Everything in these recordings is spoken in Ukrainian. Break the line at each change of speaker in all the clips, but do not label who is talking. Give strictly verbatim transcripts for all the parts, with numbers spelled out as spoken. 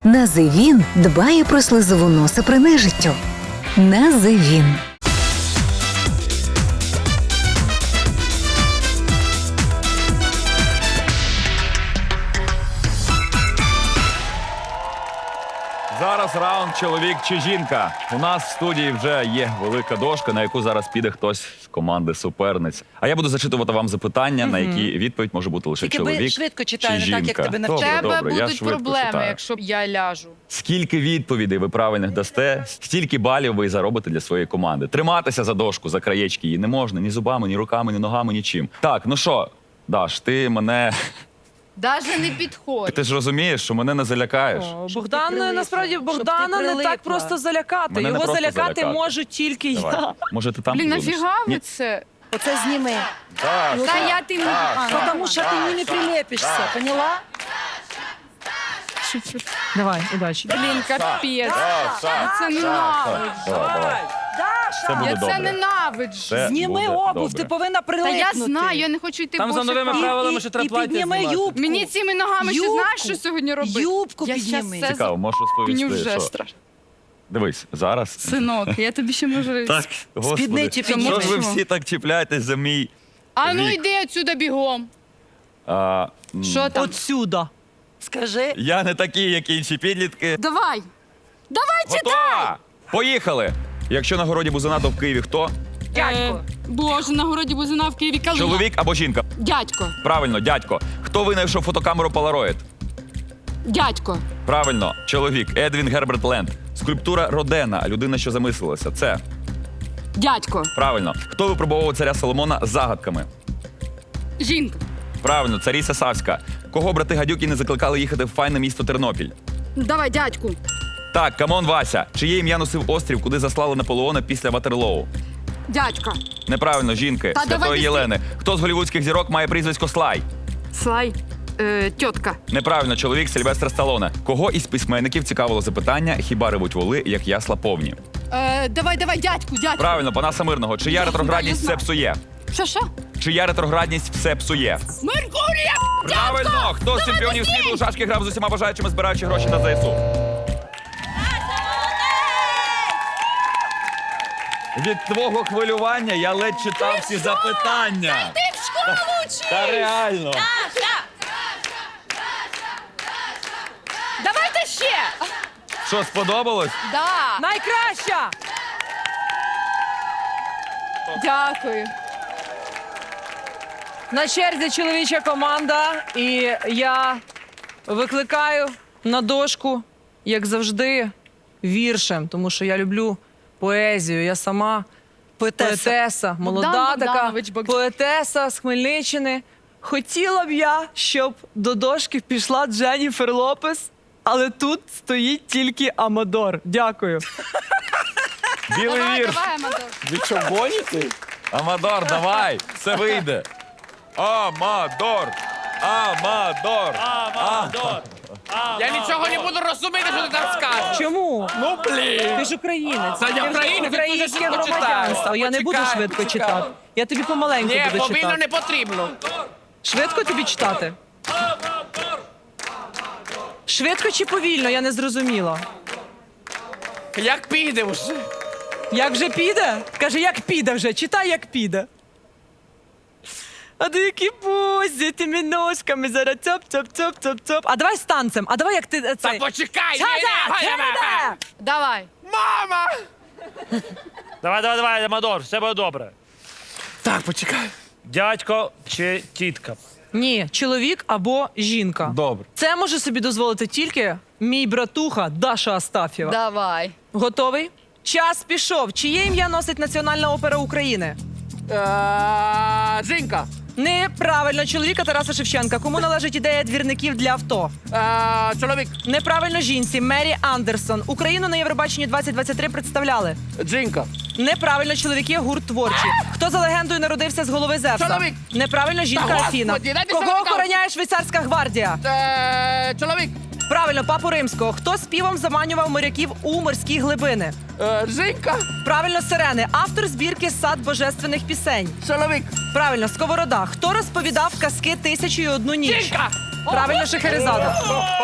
Називін дбає про слизову носа при нежиттю. Називін.
Зараз раунд «Чоловік чи жінка». У нас в студії вже є велика дошка, на яку зараз піде хтось з команди суперниць. А я буду зачитувати вам запитання, на які відповідь може бути лише
Тільки ви
чоловік
швидко
чи
читай, не
жінка.
так, як тебе
Добре,
навчили.
тебе
добре, я
будуть
швидко
проблеми,
читаю.
якщо я ляжу.
Скільки відповідей ви правильних дасте, стільки балів ви і заробите для своєї команди. Триматися за дошку, за краєчки її не можна ні зубами, ні руками, ні ногами, нічим. Так, ну що, Даш, ти мене...
Даже не підходь.
Ти ж розумієш, що мене не залякаєш.
Богдан,
прилипла.
насправді,
Щоб ти
Богдана не так
прилипла.
просто залякати.
Мене не
Його
просто
залякати
залякати.
можу тільки
Давай.
я.
Може, ти там
Блін,
будеш?
нафіга ви
Ні.
це?
Оце зніми.
Так,
Та я тим... А, ну,
Тому що ти їй не прилепишся, поняла?
Давай, удачі.
Блін, капець.
так,
Я це ненавиджу.
давай, давай. Все буде
Я це
добре.
ненавиджу.
Все
Зніми
буде
обув,
добре.
ти повинна
Та
прилипнути.
я знаю, я не хочу йти
Там за
босиком.
новими правилами ще
І,
треба
і
плаття
підніми
знімати.
юбку.
Мені цими ногами ще
Юбку.
знаєш, що сьогодні робити?
Юбку
я
підніми.
щас це
Цікаво, можеш
Мені
розповісти,
вже
що?
страшно.
Дивись, зараз.
Синок, я тобі ще можу...
Так, господи.
Спідниці
Що
підніми.
ж ви всі так чіпляєтесь за мій
А ну
вік?
йди отсюда бігом.
А, м,
Що там?
Отсюда.
Скажи.
Я не такий, як інші підлітки.
Давай. Давай, читай.
Готова! Поїхали! Якщо на городі бузина, то в Києві хто?
Дядько. Боже, на городі бузина в Києві калина.
Чоловік або жінка?
Дядько.
Правильно, дядько. Хто винайшов фотокамеру Polaroid?
Дядько.
Правильно, чоловік. Едвін Герберт Ленд. Скульптура Родена, людина, що замислилася. Це
Дядько.
правильно. Хто випробовував царя Соломона загадками?
Жінка.
Правильно, царіса Савська. Кого брати Гадюки не закликали їхати в файне місто Тернопіль?
Давай, дядьку.
Так, камон, Вася. Чиє ім'я носив острів, куди заслали Наполеона після Ватерлоу?
Дядька.
Неправильно, жінки.
Та давай
Святої
ти-
Єлени. Хто з голівудських зірок має прізвисько Слай?
Слай. Е, тьотка.
Неправильно, чоловік Сильвестра Сталоне. Кого із письменників цікавило запитання, хіба ревуть воли, як ясла повні?
Е, давай, давай, дядьку, дядьку.
Правильно, Панаса Мирного. Чия
Я
ретроградність все
знаю.
псує?
Що, що?
Чия ретроградність все псує?
Меркурія!
Правильно! Хто з чемпіонів світу у шашки грав з усіма бажаючими, збираючи гроші на ЗСУ? Від твого хвилювання я ледь читав всі запитання.
Ти в школу вчиш!
Та реально.
Давайте ще!
Що, сподобалось?
Да.
Найкраща!
Дякую.
На черзі чоловіча команда, і я викликаю на дошку, як завжди, віршем, тому що я люблю поезію. Я сама
Поетеса.
поетеса, молода
Богдан
така
Богданович Богдан.
поетеса з Хмельниччини. Хотіла б я, щоб до дошки пішла Дженніфер Лопес, але тут стоїть тільки Амадор. Дякую.
Білий
Давай,
вірш.
давай, Амадор.
Ви що, гоніте?
Амадор, давай, все вийде. Амадор! Амадор!
Амадор!
Я нічого не буду розуміти, що ти там скажеш.
Чому?
Ну, блін.
Ти ж українець.
Та я
Ти вже
українець, ти дуже
українське
швидко
громадянство.
читаєш.
Я не буду
Почекай,
швидко
почекай.
читати. Я тобі помаленьку
Ні,
буду
повільно
читати.
не потрібно.
Швидко тобі читати? Швидко чи повільно, я не зрозуміла.
Як піде вже?
Як вже піде? Каже, як піде вже, читай, як піде. А дикі бузі, тими ножками зараз цоп-цоп-цоп-цоп-цоп. А давай з танцем, а давай як ти е,
Та
цей.
почекай! ні,
Чада,
ні, ні, ні.
чада!
Давай.
Мама!
Давай, давай, давай, Амадор, все буде добре.
Так, почекай.
Дядько чи тітка?
Ні, чоловік або жінка.
Добре.
Це може собі дозволити тільки мій братуха Даша Астафєва.
Давай.
Готовий? Час пішов. Чиє ім'я носить Національна опера України?
Е, Жінка.
Неправильно, чоловіка Тараса Шевченка. Кому належить ідея двірників для авто?
Е, Чоловік.
Неправильно, жінці. Мері Андерсон. Україну на Євробаченні двадцять двадцять три представляли.
Жінка.
Неправильно, чоловіки, гурт творчі. Хто за легендою народився з голови Зевса?
Чоловік.
Неправильно, жінка
Та
Афіна.
господи, дайте
Кого
чоловіка.
охороняє швейцарська гвардія?
Е, Чоловік.
Правильно, папу римського. Хто співом заманював моряків у морські глибини?
Е, Жінка.
Правильно, сирени. Автор збірки «Сад божественних пісень».
Чоловік.
Правильно, сковорода. Хто розповідав казки «Тисячу і одну ніч»?
Жінка.
Правильно, Шахерезада.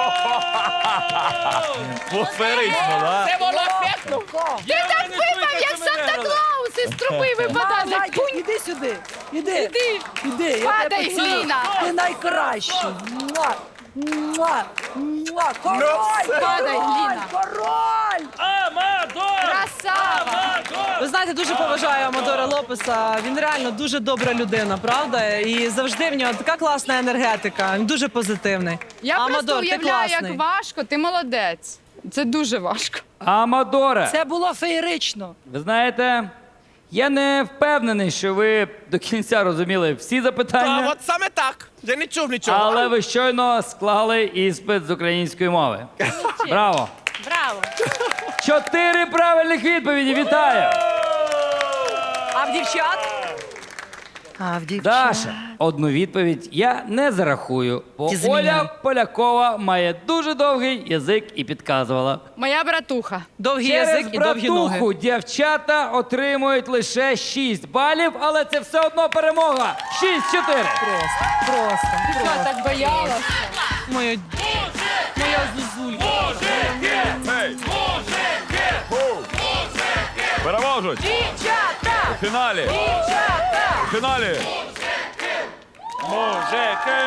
Феєрично, да?
Це було ефектно.
Ти так випав, як Санта-Клаус із труби випадав. як
Зайчик, іди сюди. Іди.
Іди.
Іди. я
Падай,
тебе поцілую.
Гліна.
Ти найкращий. Муа. Муа. Муа. Король.
Падай, Гліна.
Король.
Амадор!
Красава.
Ви знаєте, дуже поважаю Амадора Лопеса. Він реально дуже добра людина, правда? І завжди в нього така класна енергетика. Він дуже позитивний.
Я просто
Амадор, ти
уявляю,
класний.
як важко, ти молодець. Це дуже важко.
Амадоре,
Це було феєрично.
ви знаєте, я не впевнений, що ви до кінця розуміли всі
А
запитання,
от саме так. Я не чув нічого.
але ви щойно склали іспит з української мови. Браво!
Браво.
Чотири правильних відповіді. Вітаю!
А в дівчат?
А в
Даша, одну відповідь я не зарахую, бо
Ти заміняй.
Оля Полякова має дуже довгий язик і підказувала.
Моя братуха.
Довгий
Через
язик і довгі ноги.
братуху дівчата отримують лише шість балів, але це все одно перемога. шість-чотири.
Просто, просто,
Що,
просто.
так боялася?
Моя, моя зузулька.
Гей! Ху! Переможуть!
Дівчата!
У фіналі!
Дівчата!
У фіналі!
Мужики!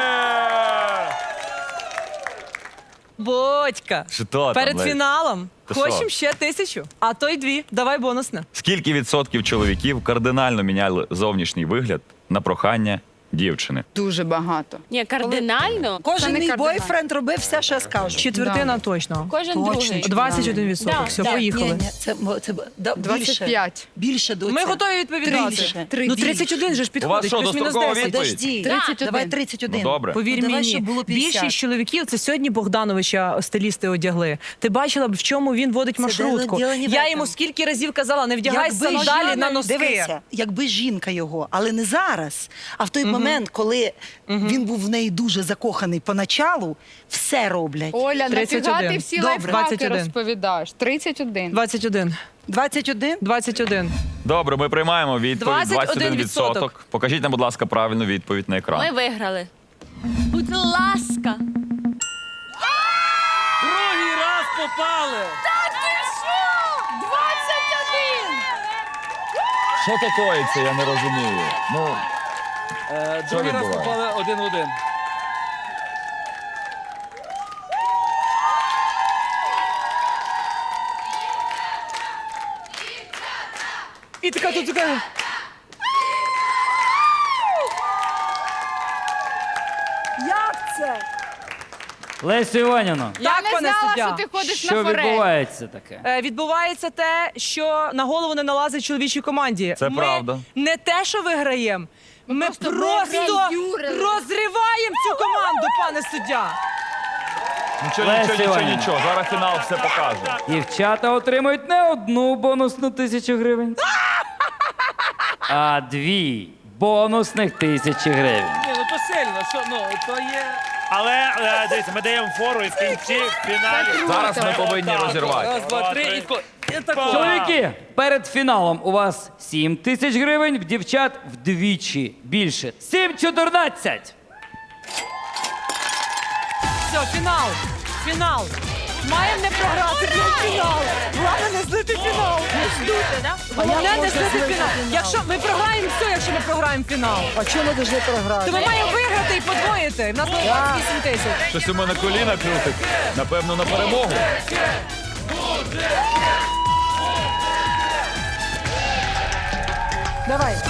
Бодька,
Що там,
перед
Лесь?
фіналом
Ти
хочемо
що?
ще тисячу, а то й дві. Давай бонусне.
Скільки відсотків чоловіків кардинально міняли зовнішній вигляд на прохання дівчини?
Дуже багато.
Ні, кардинально.
Кожен
Це не
мій
кардинально.
бойфренд робив все, що я скажу.
Четвертина точно.
Кожен
Точно.
другий.
двадцять один відсоток.
Да,
Все,
да.
поїхали.
Ні, ні, це, мо- це да,
двадцять
більше.
п'ять.
Більше до
Ми готові відповідати.
Більше.
Ну, тридцять один же ж
У вас
підходить,
що,
плюс-мінус
дострокова
десять.
відповідь?
Подожди,
тридцять один.
давай тридцять один.
Ну, добре.
Повір
Ну, давай,
мені,
щоб було п'ятдесят.
більшість чоловіків це сьогодні Богдановича стилісти одягли. Ти бачила б, в чому він водить маршрутку.
діло не в
Я
этом.
йому скільки разів казала, не вдягай
Якби
сандалі
жінка-
на носки.
Дивися, якби жінка його, але не зараз, а в той момент, коли він був в неї дуже закоханий поначалу, все роблять.
Оля,
тридцять
нафіга
один.
ти всі
Добре.
лайфхаки
двадцять один.
розповідаєш? тридцять один.
двадцять один.
двадцять один?
двадцять один.
Добре, ми приймаємо відповідь.
двадцять один
двадцять один відсоток. Покажіть нам, будь ласка, правильну відповідь на екран.
Ми виграли. Будь ласка.
Другий раз попали!
двадцять один!
Що такое, я не розумію. Ну,
Другий раз
відбувається?
попали один в один.
І така тут така.
Як це?
Лесю Іванівно,
Я
Так,
не
пане
знала,
суддя.
що ти ходиш
що
на форель.
відбувається таке?
Е, Відбувається те, що на голову не налазить чоловічій команді.
Це
ми
правда.
не те, що виграємо, ми
просто
просто
виграюрили.
розриваємо цю команду, пане суддя.
нічого,
Леся
нічого, нічого,
Іванівна.
нічого. Зараз фінал все покаже.
Дівчата отримують не одну бонусну тисячу гривень, а дві бонусних тисячі гривень.
Ні, ну то сильно, що, ну, то є... Але, е, дивіться, ми даємо фору і в кінці, в фіналі...
Зараз ми повинні
Отак,
розірвати.
Раз, два, три, і ко- і тако.
Чоловіки, перед фіналом у вас сім тисяч гривень, в дівчат вдвічі більше. сім чотирнадцять.
Все, фінал. Фінал. Маємо не програти блядь, фінал. Головне не злити фінал. Не здути, да? Головне не злити фінал. Якщо ми програємо все, якщо ми програємо фінал.
А чому ми повинні програти?
То ми маємо виграти і подвоїти. В нас буде вісім тисяч.
Щось у мене коліна крутить. Напевно, на перемогу.
Давай.